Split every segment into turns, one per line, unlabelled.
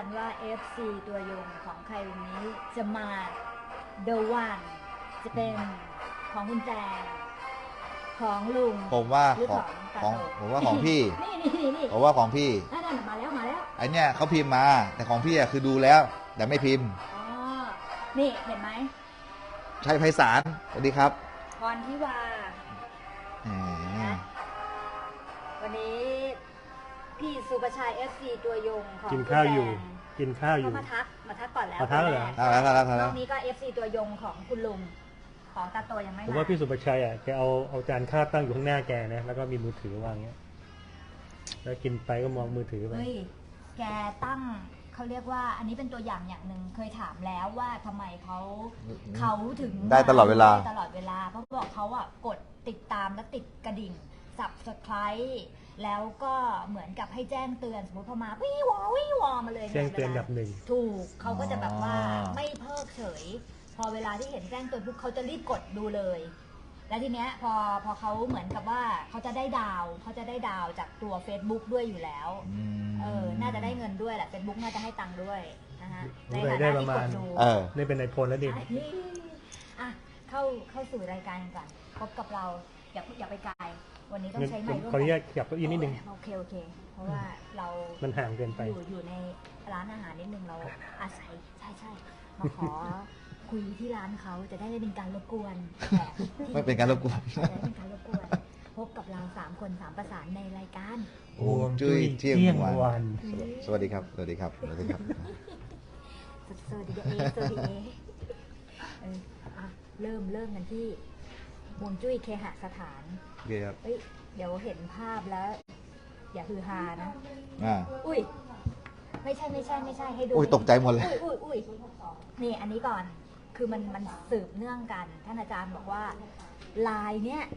กันว่า FC ตัวยงของใครวันนี้จะมา The One จะเป็นของคุณแจงของลุง
ผมว่า
หรือ
ของ
ตาโต
ผมว่าของพี่
นี่
ผมว่าของพี่
นั่นมาแล้ว
ไอเนี้ยเขาพิมพ์มาแต่ของพี่อะคือดูแล้ว แต่ไม่พิมพ์
อ๋อ นี่เห็นไหม
ชัยไพศาลสวัสดีครับ
พรทิวา
แหม
วันนี้พี่สุประชัย FC ตัวยงของ
กินข้าวอยู่
คุณแจง
กินข้าวอยู่
เขามาทักก่อนแล้ว
มาทักเหรอ
เอาแล้วเอาแล้วเอา
ร
แล้
อ
ว
บนี้ก็ FC ตัวยงของคุณลุงของตาโตยังไม่
ผม
มา
ว่าพี่สุประชัยอ่ะแกเอาจานข้าวตั้งอยู่ข้างหน้าแกนะแล้วก็มีมือถือวางเงี้ยแล้วกินไปก็มองมือถือไป
เฮ้ย แกตั้งเขาเรียกว่าอันนี้เป็นตัวอย่างหนึ่งเคยถามแล้วว่าทำไมเขาถึง
ได้ตลอดเวลา
ได้ตลอดเวลา เพราะบอกเขาอ่ะกดติดตามและติดกระดิ่ง subscribe แล้วก็เหมือนกับให้แจ้งเตือนสมมติพอมาวิวอมาเลย
แจ้งเตือนแบบหนึ่ง
ถูกเขาก็จะแบบว่าไม่เพิกเฉย พอเวลาที่เห็นแจ้งเตือนปุ๊บเขาจะรีบกดดูเลย แล้วทีเนี้ยพอเขาเหมือนกับว่าเขาจะได้ดาวจากตัว Facebook ด้วยอยู่แล้ว น่าจะได้เงินด้วยแหละ Facebook น่าจะให้ตังค์ด้วยนะฮะในฐา
ได้
นะ
ประ
ที่
มาก ณ
ดดู
นี่เป็นนายพลแล้วดิ
อ่ะเข้าสู่รายการกันก่อนพบกับเราอย่าไปไกลวันนี้ต้องใช้ไมค์ร่วม
ขออนุญา
กั
ตขยับเก้าอี้นิดนึง
โอเคเพราะว่าเรา
มันห่างเกินไป
อยู่ในร้านอาหารนิดนึงเราอาศัยใช่มาขอคุยที่ร้านเขาจะได้ไม่เป็นการรบกวนแขกที่
ไม่เป็นการรบกวน
จะได้เป็นการรบกวนพบกับเรา3 คน3 ประสานในรายการ
ฮวงจุ้ยเที่ยง
เที่ยง
วั
วัน น
สวัสดีครับ สวัสดีครับ สวัสดีครับ
สวัสดีเอสวัสดีเออ่ะเริ่มกันที่ฮวงจุ้ยเคหสถาน
โอเคครับ
เฮ้ยเดี๋ยวเห็นภาพแล้ว อย่าฮือฮานะ อุ้ยไม่ใช่ให้ดู
อุ้ยตกใจหมดเลย
อุ้ยนี่อันนี้ก่อนคือมันสืบเนื่องกันท่านอาจารย์บอกว่าลายเนี้ย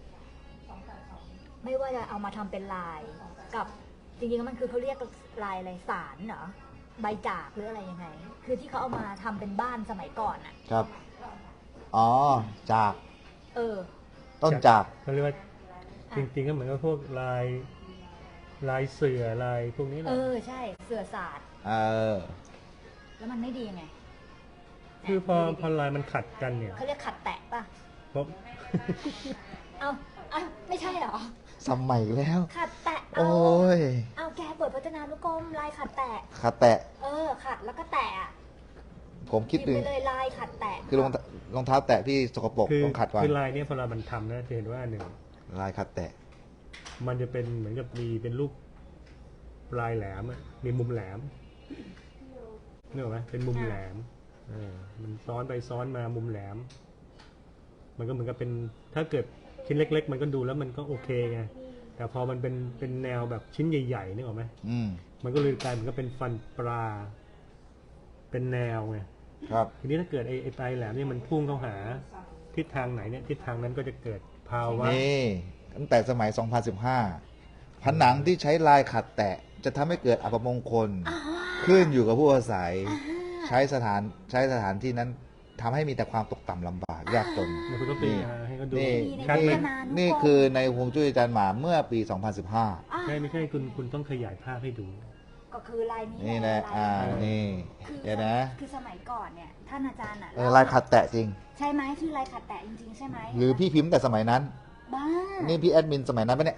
ไม่ว่าจะเอามาทำเป็นลายกับจริงๆแล้วมันคือเขาเรียกลายอะไรสารเหรอใบจากหรืออะไรยังไง คือที่เขาเอามาทำเป็นบ้านสมัยก่อนอ่ะ
ครับ อ๋อ จาก ต้นจาก
เขาเรียกว่าจริงๆก็เหมือนกับพวกลายเสือลายพวกนี้แหละ
ใช่เสือศาสตร์ แล้วมันไม่ดียังไง
คือพอลายมันขัดกันเนี่ย
เขาเรียกขัดแตะป่ะ
เพราะ
เอาไม่ใช่เหรอ
สมัยแล้ว
ขัดแตะ
โอ้ย
เอาแกเปิดพจนานุกรมลายขัดแตะ
ขาแตะ
ขัดแล้วก็แตะอะ
ผมคิด
พิม
ดู
พ์ไปเลยลายขัดแตะ
คือรองเท้าแตะที่สกปรกต้องขัดก่อน
คือลายเนี้ยพอเรามันทำนะจะเห็นว่าหนึ่ง
ลายขัดแตะ
มันจะเป็นเหมือนกับมีเป็นรูปปลายแหลมอะมีมุมแหลมนึกออกไหมเป็นมุมแหลมมันซ้อนไปซ้อนมามุมแหลม มันก็เหมือนกับเป็นถ้าเกิดชิ้นเล็ก ๆ มันก็ดูแล้วมันก็โอเคไงแต่พอมันเป็นแนวแบบชิ้นใหญ่ๆนึกออกไหมมันก็เลยกลายเหมือนกับเป็นฟันปลาเป็นแนวไง
ครับ
ทีนี้ถ้าเกิดไอ้ปลายแหลมนี่มันพุ่งเข้าหาทิศทางไหนเนี่ยทิศทางนั้นก็จะเกิดภาวะ
นี่ตั้งแต่สมัย 2015 ผนังที่ใช้ลายขัดแตะ จะทำให้เกิดอัปมงคล ขึ้นอยู่กับผู้อาศัย ใช้สถานที่นั้นทำให้มีแต่ความตกต่ำลำบากยากจน
เดี๋ยวคุณต้องตีให้เขาดู
นี่
ชัดไหม
นี่คือในฮวงจุ้ยอาจารย์หมาเมื่อปี 2015
ไม่ใช่คุณต้องขยายภาพให้ดู
ก็คือลายนี้
นี่แหละ นี่
คือ
เดี๋ยวนะ
คือสมัยก่อนเนี่ยท่านอาจารย์อะ
ลายขัดแตะจริง
ใช่ไหมคือลายขัดแตะจริงๆใช่ไหม
หรือพี่พิมพ์แต่สมัยนั้น
บ้า
นี่พี่แอดมินสมัยนั้นปะเนี่ย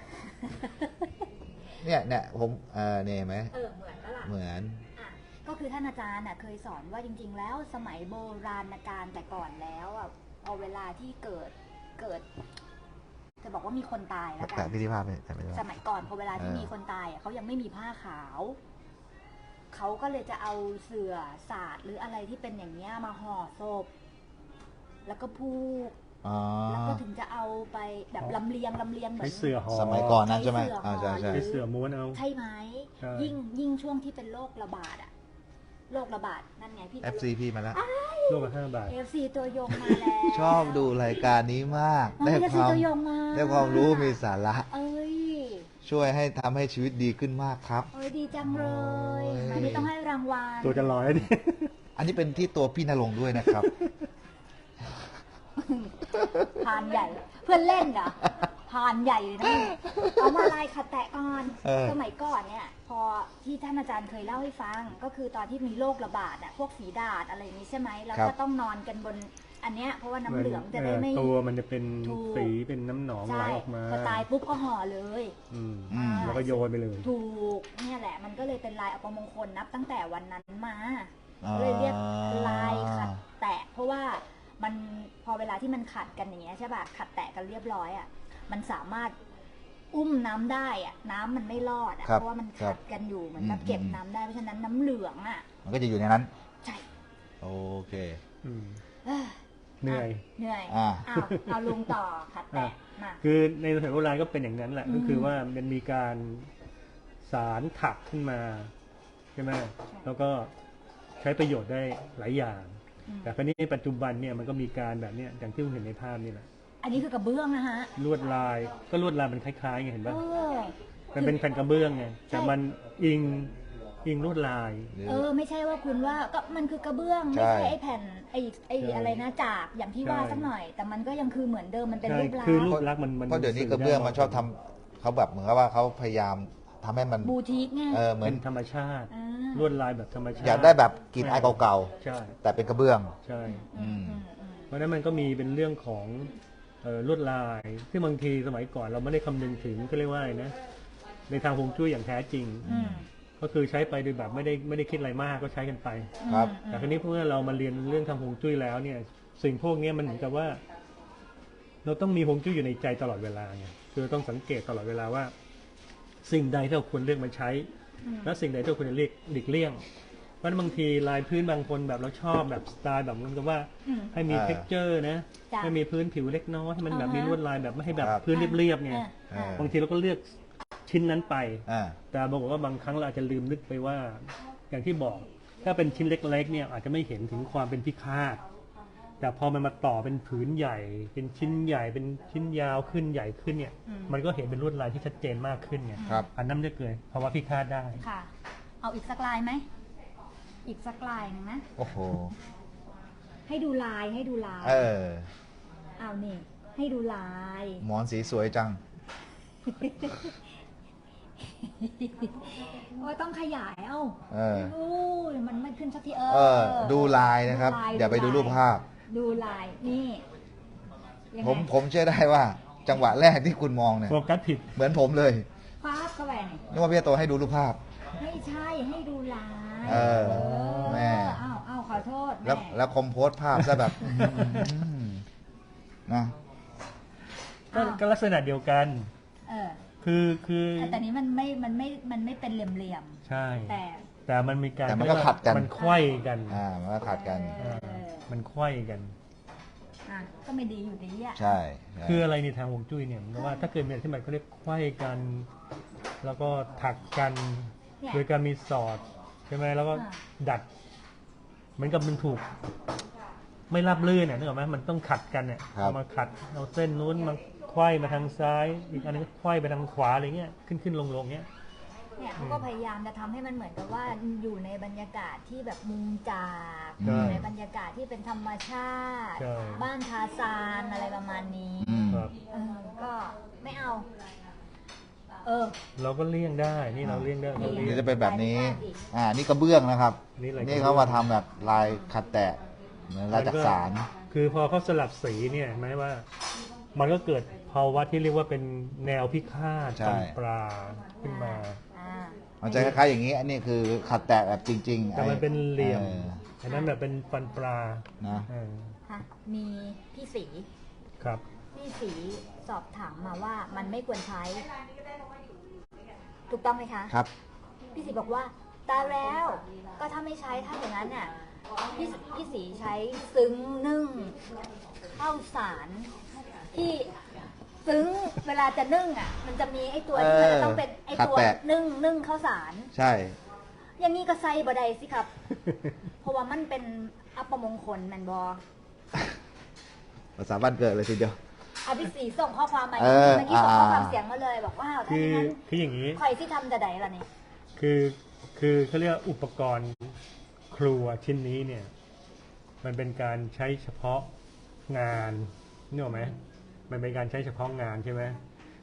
เนี่ยผมเนี่ยเห็นไหม
เหมือนแล้วล่ะ
เหมือน
ก็คือท่านอาจารย์เคยสอนว่าจริงๆ แล้วสมัยโบราณกาลแต่ก่อนแล้วเอาเวลาที่เกิด จะบอกว่ามีคนตายแล้วกั
แต่
น
พี่ที่ภาพไปแต่ไม่ได้
สมัยก่อนพอเวลาที่มีคนตายเขายังไม่มีผ้าขาวเขาก็เลยจะเอาเสื่อศาสตร์หรืออะไรที่เป็นอย่างเงี้ยมาห่อศพแล้วก็พูกแล้วก็ถึงจะเอาไปแบบลำเลียงเหมือน
ใช้เสื่อห่อ
สมัยก่อนนั้นใช่ไหม
ใช้
ใช่
ใช้เสื่อม้วนเอา
ใช่ไหม
ใช่
ยิ่งช่วงที่เป็นโรคระบาดโรคระบาดนั่นไงพี่
FC พี่มาแล้ว
โลกละ5 บาท
FC ตัวยงมาแล้ว
ชอบดูรายการนี้มาก ได้
FC ตัวยงมา
รู้มีสาระ
เอ้ย
ช่วยให้ทำให้ชีวิตดีขึ้นมากครับ
เอ้ยดีจังเลย
โอ้ย
อันนี้ต้องให้รางวัล
ตัวจะลอยดิ
อันนี้เป็นที่ตัวพี่นรงค์ด้วยนะครับ
พานใหญ่ เพื่อนเล่นเหรอพานใหญ่เลยนะเอามาลายขัดแตะก่อน
ๆ
สมัยก่อนเนี่ยพอที่ท่านอาจารย์เคยเล่าให้ฟังก็คือตอนที่มีโรคระบาดอะพวกฝีดาษอะไรอย่างนี้ใช่ไหมแล้วก็ต้องนอนกันบนอันเนี้ยเพราะว่าน้ำเหลืองจะได้ไม่
ตัวมันจะเป็น
ถูก
สีเป็นน้ำหนองไหล
ใช่
ออกมา
พอตายปุ๊บก็ห่อเลย
อืม
อืม
แล้วก็โยนไปเลย
ถูกเนี่ยแหละมันก็เลยเป็นลายอัปมงคลนับตั้งแต่วันนั้นมา
อ่า
เลยเรียกลายขัดแตะเพราะว่ามันพอเวลาที่มันขัดกันอย่างเงี้ยใช่ป่ะขัดแตะกันเรียบร้อยอ่ะมันสามารถอุ้มน้ำได้อ่ะน้ำมันไม่รอดอ่ะ
ครับ
เพราะว่ามัน
ครั
ขั
บ
ดกันอยู่เหมือนกับเก็บน้ำได้เพราะฉะนั้นน้ำเหลืองอ่ะ
มันก็จะอยู่ในนั้น
ใช่
โอเค
อืม
เอ้อ
เหนื่อย
เหนื่อย
อ่า
เอาลุงต่อขัดแตะมา
คือในสมัยโบราณก็เป็นอย่างนั้นแหละ ก็คือว่ามันมีการสารถักขึ้นมาใช่ไหมแล้วก็ใช้ประโยชน์ได้หลายอย่าง แต่คราวนี้ในปัจจุบันเนี่ยมันก็มีการแบบเนี้ยอย่างที่คุณเห็นในภาพนี่แหละ
อันนี้คือกระเบื้องนะฮะ
ลวดลายก็ลวดลายมันคล้ายๆไงเห็น
เอ
ป่ะ
อ
มันเป็นแผ่นกระเบื้องไงแต่มันอิงลวดลาย
ไม่ใช่ว่าคุณว่าก็มันคือกระเบื้อง
ใช่
ไม่ใช่ไอ้แผ่นไอ้
ใช่
อะไรนะจากอย่างที่ว่า
ใช่
สักหน่อย แต่มันก็ยังคือเหมือนเดิมมันเป็น
ใช่
รูปลักษ
คือรู
ณ์
ปลักษณ์มัน
เพราะเดี๋ยวนี้
สื่
กระเบื้อง
ได้
มันชอบทำเขาแบบเหมือนกับว่าเขาพยายามทำให้มัน
บูทิกไง
เหมื
เป็
อน
นธรรมชาติ
อ่า
ลวดลายแบบธรรมชาติ
อยากได้แบบกลิ่นอายเก่า
ใช่
ๆ แต่เป็นกระเบื้อง
ใช่
อืม
เพราะฉะนั้นมันก็มีเป็นเรื่องของลวดลายซึ่งบางทีสมัยก่อนเราไม่ได้คำนึงถึงก็เรียกว่าอะไรนะในทางฮวงจุ้ยอย่างแท้จริง
อืม
ก็คือใช้ไปโดยแบบไม่ได้คิดอะไรมากก็ใช้กันไป
ครับ
แต่คราวนี้เมื่อเรามาเรียนเรื่องทางฮวงจุ้ยแล้วเนี่ย สิ่งพวกนี้มันเหมือนกับว่า เราต้องมีฮวงจุ้ยอยู่ในใจตลอดเวลาไงคือต้องสังเกตตลอดเวลาว่า สิ่งใดที่เราควรเลือกมาใช้ และสิ่งใดที่เราควรจะหลีกเลี่ยงเพราะฉะนั้นบางทีลายพื้นบางคนแบบเราชอบแบบสไตล์แบบนั้นก็ว่า
อืม
ให้มี
อ่า
เท็กเจอร์นะ
จ้ะ
ให้มีพื้นผิวเล็กน้อยให้มันแบบ
อ่าฮะ
มีลวดลายแบบไม่ให้แบบ
ครับ
พื้นเรียบๆไง
อ่า
บางทีเราก็เลือกชิ้นนั้นไป
อ่า
แต่บอกว่าบางครั้งเราอาจจะลืมนึกไปว่า อย่างที่บอก ถ้าเป็นชิ้นเล็กๆเนี่ยอาจจะไม่เห็นถึงความเป็นพิฆาตแต่พอมันมาต่อเป็นผืนใหญ่ เป็นชิ้นใหญ่เป็นชิ้นยาวขึ้นใหญ่ขึ้นเนี่ย มันก็เห็นเป็นลวดลายที่ชัดเจนมากขึ้นไง
ครับ
อันนั้นจะเกิดภาวะพิฆาตได้
ค่ะ เอาอีกสักลายไหมอีกสักลายหนึงนะ
โอ้โห
ให้ดูลายให้ดูลาย
เออ
เอานี่ให้ดูลาย
หมอนสีสวยจัง
ว่าต้องขยายเอ้า
เออ
อู้ยมันไม่ขึ้นสักที
ดูลายนะครับ
ล
อย่าไปดูรูปภาพ
ดูลายนี่ยังไง
ผมเชื่อได้ว่า จังหวะแรกที่คุณมองเนี่ย
โฟกัสผิด
เหมือนผมเลย
ฟาดเข้าไปนี่
นึกว่าพี่โตให้ดูรูปภาพ
ไม่ใช่ให้ดูลาย
เออแม่
อ้าวขอโทษ
แล้ว
ม่
แล้วคอมโพสภาพซะแบบนะ
ก็ลักษณะเดียวกัน
เออ
คือ
แต่นี้มันไม่เป็นเหลี่ยม
ใช่
ๆแต่
แต่มันมีการ
แต่มันก็ขัดกัน
มันไขว้กัน
มันก็ขัดกัน
เออ
มันไขว้กัน
อ่ะก็ไม่ดีอยู่ดีอ่ะ
ใช่ใช่
คืออะไรในทางฮวงจุ้ยเนี่ยมันก็ว่าถ้าเกิดมีอะไรที่มันเขาเรียกไขว้กัน แล้วก็ถักกัน
เนี่ย
โดยการมีสอดใช่ไหมแล้วก็
อ่า
ดัดเหมือนกับมันถูก ไม่ราบลื่นเนี่ยนึกออกไหมมันต้องขัดกันเนี่ย
ครับ
เอามาขัดเอาเส้นนู้นมาไขว้มาทางซ้าย อีกอันนึงก็ไขว้ไปทางขวาอะไรเงี้ยขึ้นลงเงี้ย
เนี่ยเขาก็พยายามจะทำให้มันเหมือนกับว่าอยู่ในบรรยากาศที่แบบมุมจาก
ใช่
อยู่ในบรรยากาศที่เป็นธรรมชาติ
ใช่
บ้านทาซานอะไรประมาณนี้
อืม
ครับ
ก็ไม่เอา
เราก็เลี่ยงได้นี่เราเลี่ยงได้เรา
ห
เลี่
รื
ย
อง จะเป็นแบบนี้ นี่กระเบื้องนะครับ
นี่อะไร
นี่เขามาทำแบบลายขัดแตะเหมือนลายจักสาร
คือพอเขาสลับสีเนี่ยแม้ว่า มันก็เกิดภาวะที่เรียกว่าเป็นแนวพิฆาต
ใช่
ฟันปลาขึ้นมา
มันจะคล้ายๆอย่างนี้ อันนี้คือขัดแตะแบบจริงๆ
แต่มันเป็นเหลี่ยม
ออ
อันนั้นแบบเป็นฟันปลา
นะ
เออ
มีพี่สี
ครับ
พี่สีสอบถามมาว่ามันไม่ควรใช้ ถูกต้องไหมคะ
ครับ
พี่สีบอกว่าตายแล้ว ก็ถ้าไม่ใช้ถ้าอย่างนั้นน่ะพี่สีใช้ซึ้งนึ่งข้าวสารที่ซึ้งเวลาจะนึ่งอ่ะ มันจะมีไอ้ตัวที่มันจะต้องเป็นไอ้ตัว
ขัดแตะ
นึ่งข้าวสาร
ใช่
อย่างนี้ก็ใส่บไดสิครับ เพราะว่ามันเป็นอัปมงคลแมนบอ
ภาษาบ้านเกิดเลยทีเดียว
พี่สีส่งข้อความมา
เออ
เมื่อกี้ส่งข้อความเสียงมาเลยบอกว่าถ้า
คื
อ
อย่าง
นั้น
คืออย่างนี้
ใครที่ทำจะไดล่ะนี่
คือเขาเรียกว่าอุปกรณ์ครัวชิ้นนี้เนี่ย มันเป็นการใช้เฉพาะงานนึกออกไหมมันเป็นการใช้เฉพาะงานใช่ไหม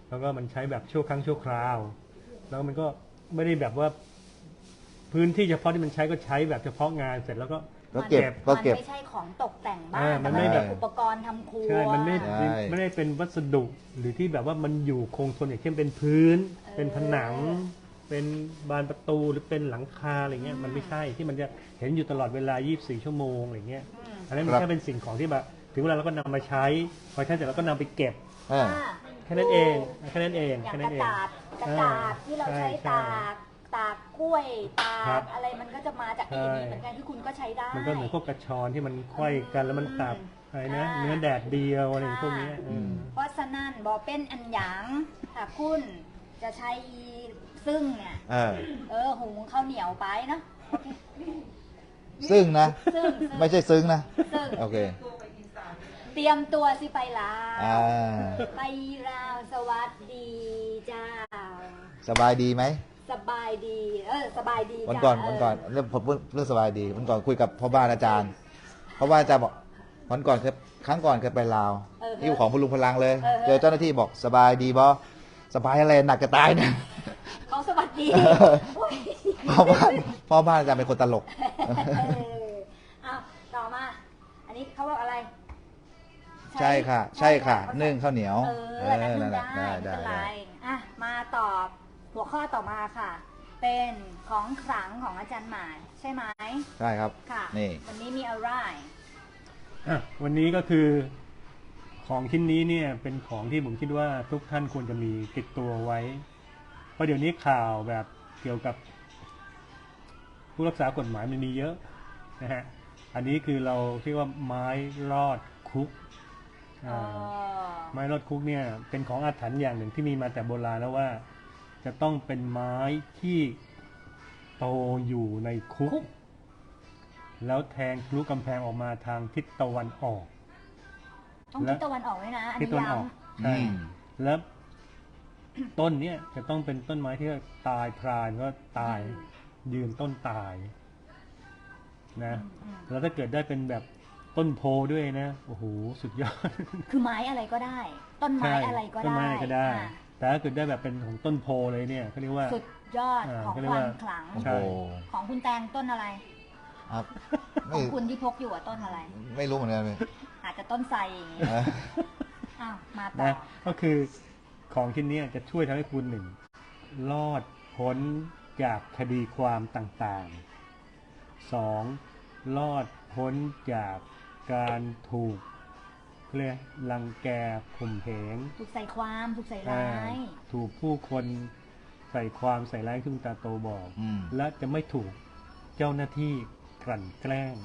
แล้วก็มันใช้แบบชั่วครั้งชั่วคราว แล้วมันก็ไม่ได้แบบว่าพื้นที่เฉพาะที่มันใช้ก็ใช้แบบเฉพาะงานเสร็จแล้วก็
ก็เก็บ
มันไม่ใช่ของตกแต่งบ้าน
มัน
แต่
ไม่
มัน
แบ
เป็
บ
นอุปกรณ์ทำครัว
ใช่มันไม่
ใช่
ไม่ได้เป็นวัสดุหรือที่แบบว่ามันอยู่คงทนอย่างเช่นเป็นพื้น เป็นผนัง เป็นบานประตูหรือเป็นหลังคาอะไรเงี้ยมันไม่ใช่ที่มันจะเห็นอยู่ตลอดเวลา 24 ชั่วโมงอะไรเงี้ยอันนั้นมันแค่เป็นสิ่งของที่แบบถึงเวลาเราก็นำมาใช้พอใช้เสร็จเราก็นำไปเก็บ
อ่า
แค่นั้นเองแค่นั้นเอง
อย่าง
แค่
ก
นั้
ระ
นเอง
ดาษที่เราใช้ตากกล้วยตา
ครั
ก
บ
อะไรมันก็จะมาจากไอ้นี้เหมือนกันที่คุณก็ใช้ได้
มันก็เหมือนพวกกระชอนที่มันไขว้กันแล้วมันตับอะไรนะเนื้อแดดเดียวอะไรพวกเนี้ย
เพราะฉะนั้นบอเป็นอันหยางถ้าคุณจะใช้อีซึ่งเนี่ย หุงข้าวเหนียวไปเนาะโอเค
ซึ่งนะ
ซึ่ง
ไม่ใช่ซึ้งนะ
ซึ่ง
โอเค
เตรียมตัวสิไปลาว
อ่า
ไปลาวสวัสดีจ้า
สบายดีไหม
สบายดี สบายดี
วัน
จ้า
ก่อนเรื่องผมพูดเรื่องสบายดีวันก่อนคุยกับพ่อบ้านอาจารย์พ่อบ้านอาจารย์บอกวันก่อนครั้งก่อนเคยไปลาวที่ของพลุงพลังเลย เจอเจ้าหน้าที่บอกสบายดีบอสบายอะไรหนักจะตายเนี่ย
เขาสวัสดีโอ้ย
พ่อบ้านอาจารย์เป็นคนตลก
เอาต่อมา อันนี้เขาบอกอะไร
ใช่ค่ะ ใช่ค่ะนึ่งข้าวเหนียว
นั่น
นั่นแหละ
ได้ไม่เป็นไรอ่ะมาตอบหัวข้อต่อมาค่ะ เป็นของขลังของอาจารย์หมายใช่ไหม
ใช่ครับ
ค่ะ
นี่
วันนี้มีอะไร
วันนี้ก็คือของชิ้นนี้เนี่ยเป็นของที่ผมคิดว่าทุกท่านควรจะมีติดตัวไว้ เพราะเดี๋ยวนี้ข่าวแบบเกี่ยวกับผู้รักษากฎหมายมันมีเยอะนะฮะอันนี้คือเราเรียกว่าไม้รอดคุกไม้รอดคุกเนี่ยเป็นของอาถรรพ์อย่างหนึ่งที่มีมาแต่โบราณแล้วว่า จะต้องเป็นไม้ที่โตอยู่ในคุก แล้วแทงทะลุกำแพงออกมาทางทิศตะวันออก
ต้องทิศตะวันออกด้วยนะ อัน
ทิศ
นี้
ตะวัน
ย้
ออกใช่แล้ว ต้นเนี้ยจะต้องเป็นต้นไม้ที่ตายพรานก็ตายยืนต้นตายนะแล้วถ้าเกิดได้เป็นแบบต้นโพด้วยนะโอ้โหสุดยอด
คือไม้อะไรก็ได้ ต้นไม้อะไรก็
ต้น
ได้
ไม้อะไรก็ได้
อ่ะ
แต่ถ้าเกิดได้แบบเป็นของต้นโพเลยเนี่ยเขาเรียกว่า
สุดยอดของ
เขาเรียก
ควา
ว่า
มขลัง
โอ้
ใช่
โห
ของคุณแตงต้นอะไร
ครับ
ข
ไม่
องคุณที่พกอยู่อะต้นอะไร
ไม่รู้เหมือนกันเลย
อาจจะต้นไทรอย่างงี้
เออ
อ้าวมาต่อ
นะก็คือของชิ้นนี้จะช่วยทำให้คุณหนึ่งรอดพ้นจากคดีความต่างๆสองรอดพ้นจากการถูกเรียกรังแกข่มเหง
ถูกใส่ความถูกใส่ร้าย
ถูกผู้คนใส่ความใส่ร้ายที่คุณตาโตบอก
อืม
และจะไม่ถูกเจ้าหน้าที่กลั่นแกล้ง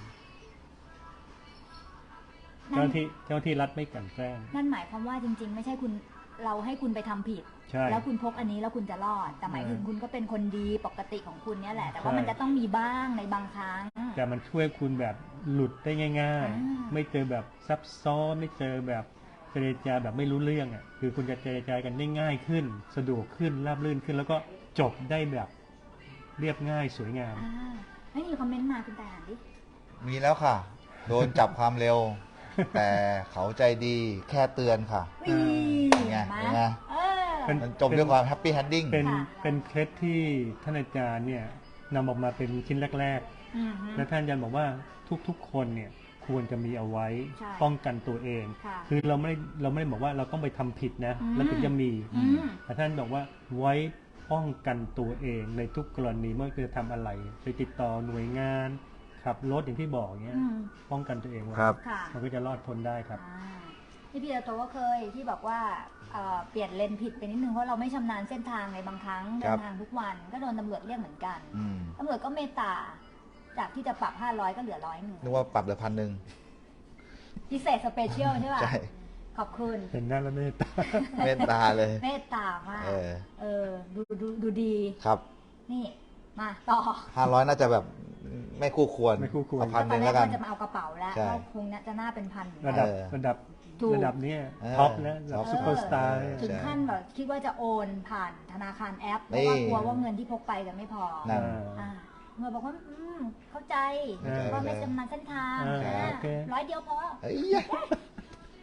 เจ้าหน้าที่รัฐไม่กลั่นแกล้ง
นั่นหมายความว่าจริงๆ ไม่ใช่คุณเราให้คุณไปทำผิด
ใช่
แล้วคุณพกอันนี้แล้วคุณจะรอด แต่หมายถึงคุณก็เป็นคนดีปกติของคุณเนี่ยแหละ แต่ว่า
ใช่
มันจะต้องมีบ้างในบางครั้ง
แต่มันช่วยคุณแบบหลุดได้ง่าย
อ่า
ๆ ไม่เจอแบบซับซ้อนไม่เจอแบบเจรจาแบบไม่รู้เรื่องอ่ะคือคุณจะเจรจากันได้ง่ายขึ้น สะดวกขึ้นราบรื่นขึ้น แล้วก็จบได้แบบเรียบง่ายสวยงาม
ไม่มีคอมเมนต์มาคุณแต่อ่านดิ
มีแล้วค่ะ โดนจับความเร็ว แต่เขาใจดีแค่เตือนค่ะ
วี
เป็นไง
มา
เป็นไง
เออ
เป็น
มันจบด้วยความแฮปปี้แฮนดิ้ง
เป็น
ค่ะ
เป็นเคล็ดที่ท่านอาจารย์เนี่ยนำออกมาเป็นชิ้นแรก
อือฮึ
ๆ และท่านอาจารย์บอกว่าทุกๆ คนเนี่ยควรจะมีเอาไว้
ใช่
ป้องกันตัวเอง
ค่ะ
คือเราไม่ได้บอกว่าเราต้องไปทำผิดนะ
อืม
แล้วถึงจะมี
อืม
แต่ท่านบอกว่าไว้ป้องกันตัวเองในทุกกรณีเมื่อจะทำอะไรไปติดต่อหน่วยงานขับรถอย่างที่บอกเงี้ย
อืม
ป้องกันตัวเองไว้
ครับ
ค่ะ
มันก็จะรอดพ้นได้ครับ
ที่พี่โตก็เคยที่บอกว่าเปลี่ยนเลนผิดไปนิดนึงเพราะเราไม่ชำนาญเส้นทางในบางครั้ง
ค
เดิ
รับ
นทางทุกวันก็โดนตำรวจเรียกเหมือนกัน
อืม
ตำรวจก็เมตตา จากที่จะปรับ500ก็เหลือ100
นึกว่าปรับเหลือ1,000
พิเศษสเปเชียลใช่ป่ะ
ใช่
ขอบคุณ
เห็นหน้าแล้วเมตตา
เมตตาเลย
เมตตามาก
เออ
ดูดี
ครับ
นี่มาต่อ
500 น่าจะแบบไม่คู่ควร
ไม่คู่ควร
เอาพันห
ตอ
นึ่
น
ง
แร
แล้
ก
วกัน
ว่าจะมาเอากระเป๋าแล้ว
ใช่
ก็คงจะน่าเป็นพันอยู่
ระ
แล้ว
ดับ
ถูก
ระดับเนี้ย
เออ
ท็อปแล้วระดับซุปเปอร์สตาร์
ถึงขั้นแบบคิดว่าจะโอนผ่านธนาคารแอปเพราะว่ากลัวว่าเงินที่พกไปจะไม่พอ
นั่น
เมื่อบอกว่าเข้าใจ
เออ
ว่าไม่ชำนาญเส้นทาง
เออโอเค
100 เดียวพอ
เฮ้ย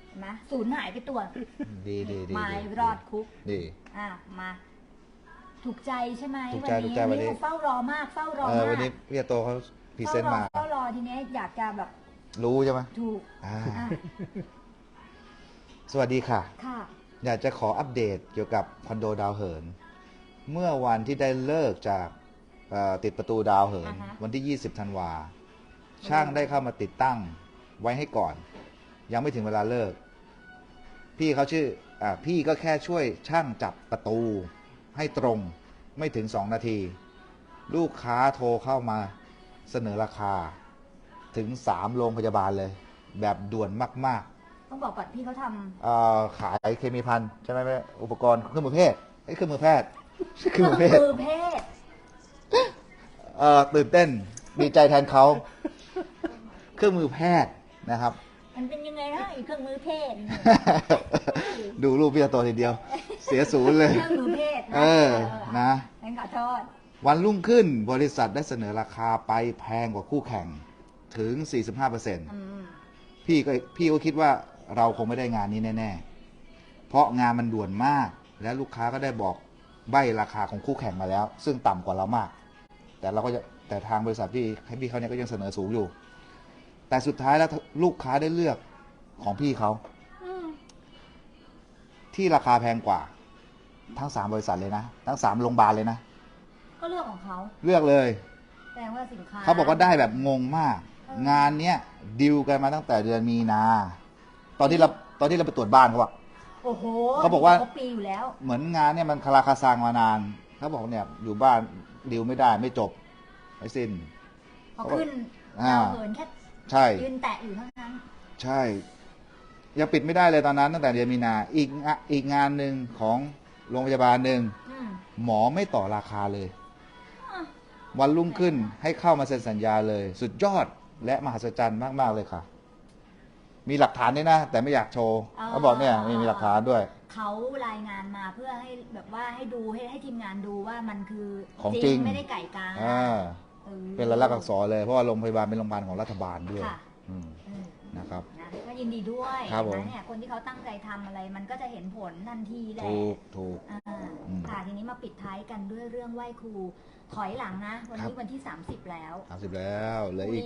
เห็นไหมสูญหายไปตัว
ดี
ไม่รอดคุก
ดี
มา ถูกใจใช่ไหม
ถูก
วั
ใจ
น
ถูก
นี้
ใจวันนี้
เขาเฝ้ารอมากเฝ้ารอ
วั
มาน ก
นี้พี่โตเขาพรีเซนต์มา
เฝ้ารอทีนี้อยากจะแบบ
รู้ใช่ไหม
ถูก
อ่า
อ่ะ
สวัสดีค่ะ
ค่ะ
อยากจะขออัปเดตเกี่ยวกับคอนโดดาวเหิน เมื่อวันที่ได้เลิกจากติดประตูดาวเหิน
อ่าฮะ
วันที่ 20 ธันวา ช่างได้เข้ามาติดตั้งไว้ให้ก่อน ยังไม่ถึงเวลาเลิก พี่เขาชื่อพี่ก็แค่ช่วยช่างจับประตูให้ตรงไม่ถึง 2 นาที ลูกค้าโทรเข้ามาเสนอราคาถึง 3 โรงพยาบาลเลย แบบด่วนมาก ๆ
ต้องบอกก่อนพี่เขาท
ขายเคมีภัณฑ์ใช่ไหมแม่อุปกรณ์เครื่องมือแพทย์เครื่องมือแพทย์
ำ
เครื่องมือแพทย์
มือเพศ
ตื่นเต้นดีใจแทนเขาเครื่องมือแพทย์นะครับ
มันเป็นยังไงนะอีกเครื่องมือเพศ
ดูรูปพี่ตัวทีเดียว เสียศูนย์เลย
เครื่องมือเพศนะ
นะ
งั้นขอโทษ
วันรุ่งขึ้นบริษัทได้เสนอราคาไปแพงกว่าคู่แข่งถึง 45% พี่ก็คิดว่าเราคงไม่ได้งานนี้แน่ ๆ เพราะงานมันด่วนมาก และลูกค้าก็ได้บอกใบราคาของคู่แข่งมาแล้ว ซึ่งต่ำกว่าเรามาก แต่ทางบริษัทพี่เขาเนี่ยก็ยังเสนอสูงอยู่ แต่สุดท้ายแล้วลูกค้าได้เลือกของพี่เขา ที่ราคาแพงกว่า ทั้ง3บริษัทเลยนะ ทั้ง3โรงพยาบาลเลยนะ
ก็เรื่องของเขา
เลือกเลย
แสดงว่าสินค้า
เขาบอกว่าได้แบบงงมาก งานเนี้ยดิวกันมาตั้งแต่เดือนมีนา ตอนที่เราไปตรวจบ้านเขาบอก
โอ้โห
เขาบอกว่า
ครบปีอยู่แล้ว
เหมือนงานเนี่ยมันคาราคาซังมานานเขาบอกเนี่ยอยู่บ้านดิวไม่ได้ไม่จบไม่สิ้น
พอขึ้น
อ่า
ดาวเหินแค่
ใช่
ยืนแตะอยู่เท่านั้น
ใช่ยังปิดไม่ได้เลยตอนนั้นตั้งแต่เดือนมีนาอีกงานหนึ่งของโรงพยาบาลหนึ่ง
อืม
หมอไม่ต่อราคาเลย
อ่ะ
วันรุ่งขึ้นให้เข้ามาเซ็นสัญญาเลย สุดยอดและมหัศจรรย์มากๆเลยค่ะ มีหลักฐานด้วยนะ แต่ไม่อยากโชว์เขาบอกเนี่ยมีหลักฐานด้วย
เขารายงานมาเพื่อให้แบบว่าให้ดูให้ทีมงานดูว่ามันคือ
ของจริง
ไม่ได้ไก่กา
อ่า
ออ
เป็นลายลักษณ์อักษรเลยเพราะว่าโรงพยาบาลเป็นโรงพยาบาลของรัฐบาลด้วย
ค่ะ
อืม
เออ
นะครับ
นะก็ยินดีด้วย
ครับผม
นะเนี่ยคนที่เขาตั้งใจทำอะไรมันก็จะเห็นผลทันทีแหละ
ถูก
อ่า
อืม
ค่ะทีนี้มาปิดท้ายกันด้วยเรื่องไหว้ครูถอยหลังนะ วัน
ครั
นี้
บ
วันที่ 30 แล้ว
30แล้วเหลืออีก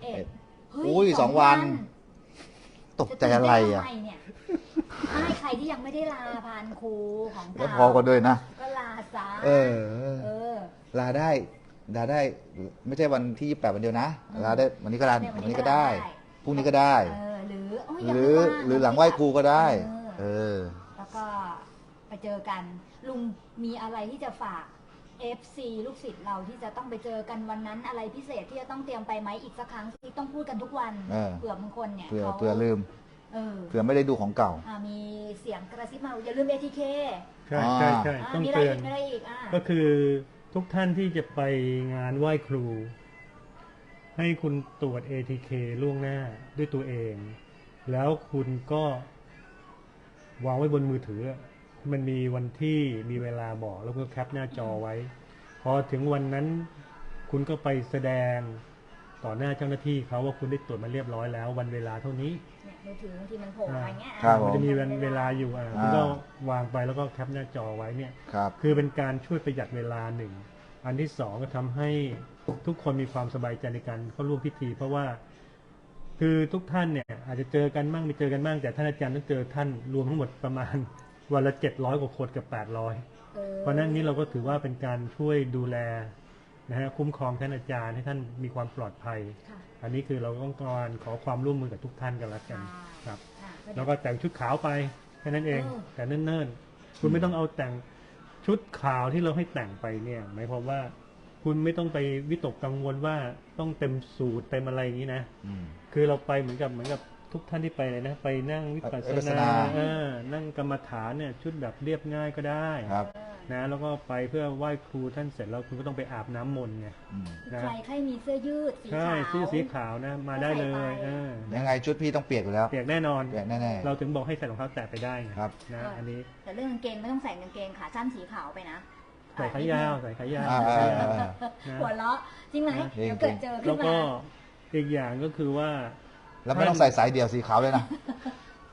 31
อุ้ย2 วัน ตกใจอะไรอ่ะ
จตื่นเต้นทำไมเนี่ยไม่ใครที่ยังไม่ได้ลาพานครูของ
แล้ว
เก่า
พอกันด้วยนะ
ก็ลาซะ
เออ
เออ
ลาได้ไม่ใช่วันที่28วันเดียวนะลาได้วันนี้ก็ลา
เนี่ย
วันนี้ก็ได้พรุ่งนี้ก็ได้
เออหรือโย
ห
ยัง
รื
ไม่
อ
ว่าง
หรือหลังไหว้ครูก็ได้
เออ แล้วก็ไปเจอกัน ลุงมีอะไรที่จะฝาก FC ลูกศิษย์เราที่จะต้องไปเจอกันวันนั้น อะไรพิเศษที่จะต้องเตรียมไปไหมอีกสักครั้งที่ต้องพูดกันทุกวัน
เออ
เผื่อบางคนเนี่ย
เผื่อ
ขา
เผื่อลืม
เออ
เผื่อไม่ได้ดูของเก่า
มีเสียงกระซิบมาอย่าลืม ATK
ใช่ใช่ใช่
อ่า
ต้อง
มีอะไร
เตือ
อี
น
กมีอะไรอีก
ก็คือทุกท่านที่จะไปงานไหว้ครู ให้คุณตรวจ ATK ล่วงหน้าด้วยตัวเอง แล้วคุณก็วางไว้บนมือถือ มันมีวันที่มีเวลาบอกแล้วก็แคปหน้าจอไว้ พอถึงวันนั้นคุณก็ไปแสดงต่อหน้าเจ้าหน้าที่เขาว่าคุณได้ตรวจมาเรียบร้อยแล้ว วันเวลาเท่านี้
เนี่ยมือถือบางทีมันโผล่มาอย่างเงี้ย
ครับผม
มันจะมีเวลาอยู่คุณ
อ่า
ก็วางไปแล้วก็แคปหน้าจอไว้เนี่ย
ครับ
คือเป็นการช่วยประหยัดเวลาหนึ่ง อันที่สองก็ทำให้ทุกคนมีความสบายใจในการเข้าร่วมพิธี เพราะว่าคือทุกท่านเนี่ยอาจจะเจอกันมั่งไม่เจอกันมั่งแต่ท่านอาจารย์ต้องเจอท่านรวมทั้งหมดประมาณ วันละ700 กว่าคนกับ800 เพราะนั้นนี้เราก็ถือว่าเป็นการช่วยดูแลนะฮะคุ้มครองท่านอาจารย์ให้ท่านมีความปลอดภัย
ค่ะ
อันนี้คือเราต้องการขอความร่วมมือกับทุกท่านกันละกันครับ
อ่า
แล้วก็แต่งชุดขาวไปแค่นั้นเอง แต่เนิ่นๆ คุณไม่ต้องเอาแต่งชุดขาวที่เราให้แต่งไปเนี่ยหมายความว่าคุณไม่ต้องไปวิตกกังวลว่าต้องเต็มสูตรเต็มอะไรอย่างนี้นะ
อืม
คือเราไปเหมือนกับทุกท่านที่ไปเลยนะ ไปนั่งวิปัส
วิปัส
ส
ส
นา
นา
นั่งกรรมฐานเนี่ยชุดแบบเรียบง่ายก็ได้
ครับ
นะแล้วก็ไปเพื่อไหว้ครูท่านเสร็จแล้วคุณก็ต้องไปอาบน้ำมนต์ไง
อืม
นะ
ใครใครมีเสื้อยืดสี
ใช่
ขาว
เสื้อสีขาวนะมาได้เลย
ก็ใส่ไป
ยังไงชุดพี่ต้องเปียกอยู่แล้ว
เปียกแน่นอน
เปียกแน่ๆ
เราถึงบอกให้ใส่รองเท้าแตะไปได้ไง
ครับ
นะอันนี้
แต่เรื่องกางเกงไม่ต้องใส่กางเกงขาสั้นสีขาวไปนะ
ใส่ขายาวใส่ขายาว
อ่า
ใส่
อ่า
ขายาว
อ่า
นะ
หัวเราะจริงไหม
จริง
เดี๋ยวเกิดเจอขึ้
แล้
น
ว
มา
ก็อีกอย่างก็คือว่า
แล้วไม่ต้องใส่สายเดี่ยวสีขาวเลยนะ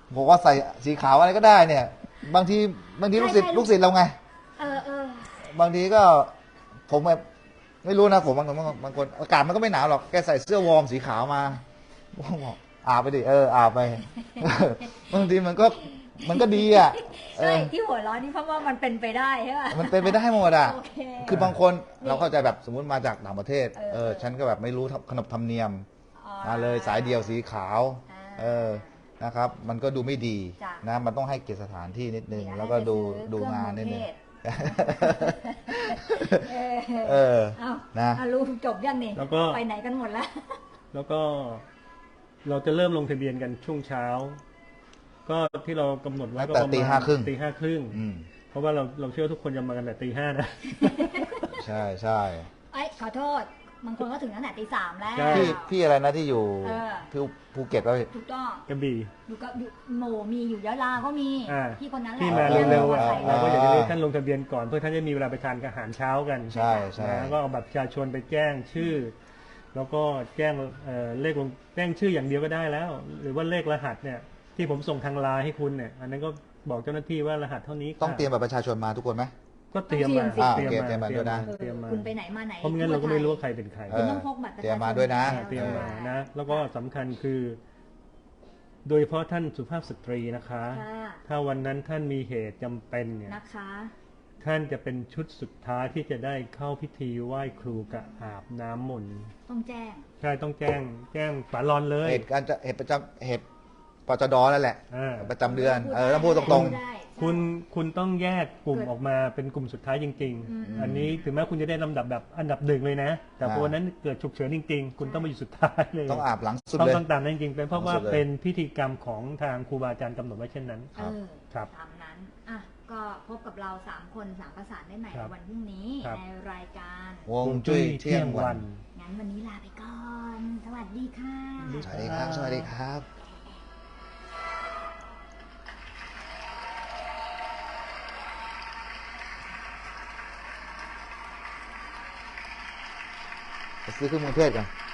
บอกว่าใส่สีขาวอะไรก็ได้เนี่ย บางทีลูกศิษย์เราไง
เออ
บางทีก็ผมแบบไม่รู้นะผมบางคนอากาศมันก็ไม่หนาวหรอกแกใส่เสื้อวอร์มสีขาวมาผมบอกอาบไปดิอาบไป บางทีมันก็ดีอ่ะ
ใช่ที่หัวเร้อนนี่เพราะว่ามันเป็นไปได้ใช่ป่ะ
มันเป็นไปได้หมดอ่ะ
โอเค
คือบางคนเราเข้าใจแบบสมมุติมาจากต่างประเทศ
เออ
ฉันก็แบบไม่รู้ขนบธรรมเนียม
อ๋อ
มาเลยสายเดี่ยวสีขาว
อ่า
นะครับ มันก็ดูไม่ดี
จ้ะ
นะมันต้องให้เกียรติสถานที่นิดนึง
เดี๋ย
แล้วก็ดู
ให้ไปซื้อ
ดูงานนิดนึง
เครื่องมือเทศ
เออ
เอ้า
นะ
ลูกจบยังนี่
แล้วก็
ไปไหนกันหมดแล้ว
แล้วก็เราจะเริ่มลงทะเบียนกันช่วงเช้า ก็ที่เรากำหนดไว้ก็
ตั้ง
ประ
แต่
มาณ
ตี
ห้าครึ่ง
อืม
เพราะว่าเราเชื่อทุกคนจะมากันแต่ตี 5นะ
ใช่ใช่
ขอโทษ บางคนก็ถึงตั้งแต่ตี 3แล้ว
ใช่
พี่อะไรนะที่อยู่
เออ
ที่ภูเก็ตป่ะพี่
ถูกต้อง
กระบี่
อยู่กับอยู่หมู่มีอยู่ยะลาก็มี
อ่า
พี่คนนั้นแหละ
ที่มา
เออ
เร็วๆอ่ะ
เออ
เราก็อยากจะให้ท่านลงทะเบียนก่อนเพื่อท่านจะมีเวลาไปทานอาหารเช้ากัน
ใช่ใช่
นะก็เอาบัตรประชาชนไปแจ้งชื่อ แล้วก็แจ้งเลขลงแจ้งชื่ออย่างเดียวก็ได้แล้ว หรือว่าเลขรหัสเนี่ย ที่ผมส่งทางไลน์ให้คุณเนี่ย อันนั้นก็บอกเจ้าหน้าที่ว่ารหัสเท่านี้ค่ะ
ต้องเตรียมบัตรประชาชนมาทุกคนไหม
ก็เตรียมมา
อ่าโอเคเตรียมมาด้วยนะ
เตรียมมา
คุณไปไหนมาไหน
เพราะไม่งั้นเราก็ไม่รู้ว่าใครเป็นใคร
คุณต้องพกบัตรประชาชน
เตรียมมาด้วยนะ
เตรียมมานะ แล้วก็สำคัญคือ โดยเฉพาะท่านสุภาพสตรีนะคะ
ค่ะ
ถ้าวันนั้นท่านมีเหตุจำเป็นเนี่ย
นะคะ
ท่านจะเป็นชุดสุดท้ายที่จะได้เข้าพิธีไหว้ครูกับอาบน้ำมนต์
ต้องแจ้ง
ใช่ต้องแจ้งฝาลอนเลย
เหตุการณ์จะเหตุประจำเหตุปจดนั่นแหละ
อ่า
ประจำเดือนต้องพูดตรง
ได้
คุณต้องแยกกลุ่มออกมาเป็นกลุ่มสุดท้ายจริง
อืม
ๆ อันนี้ถึงแม้คุณจะได้ลำดับแบบอันดับหนึ่งเลยนะ แต่พอวันนั้นเกิดฉุกเฉินจริง ๆ คุณต้องมาอยู่สุดท้ายเลย
ๆต้องอาบหลังสุด
ต้อง
เลย
ต้องตามนั้นจริงๆเป็นเพราะว่า
สุดเลย
เป็นพิธีกรรมของทางครูบาอาจารย์กำหนดไว้เช่นนั้น
ครับ
ครับ
ตามนั้นอ่ะก็พบกับเรา3คน3ประสานได้ใหม่
ครั
ใน
บ
วันพรุ่งนี้
ครับ
ในรายการ
วงจุ้ยเที่ยงวัน
งั้นวันนี้ลาไปก่อน สวัสดีค่ะ
สวัสดีครับ สวัสดีครับไปซื้อเครื่องมือเทศกัน